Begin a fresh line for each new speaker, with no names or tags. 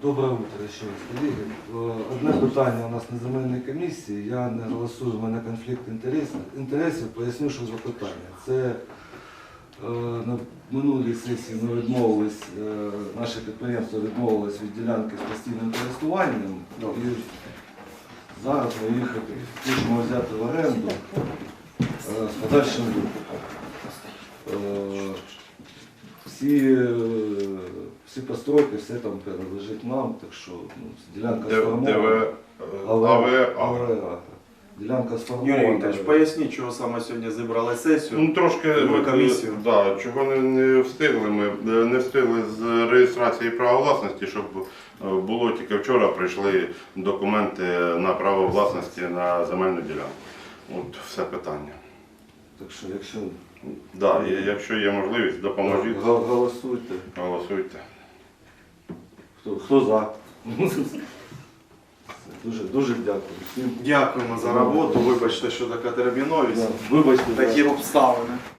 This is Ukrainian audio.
Доброе утро ще раз, колеги. Одне питання у нас на земельній комісії. Я не голосую, в мене конфлікт інтересів. Поясню, що за питання. Це на минулій сесії ми відмовились, наше підприємство відмовилось від ділянки з постійним користуванням. І зараз ми їх хочемо взяти в оренду з подальшим викупом. Всі постройки, все там принадлежить нам, так що ділянка сформована. Ділянка сформована.
Юрій Вікторович, поясніть, чого саме сьогодні зібрали сесію.
Ну трошки
комісію.
Да, чого не встигли. Ми не встигли з реєстрації права власності, щоб було тільки вчора прийшли документи на право власності на земельну ділянку. От все питання.
Так що,
Якщо є можливість, допоможіть.
Голосуйте.
Голосуйте.
Хто за? Дуже дякую всім.
Дякуємо за роботу. Вибачте, що така терміновість.
Вибачте,
Такі обставини.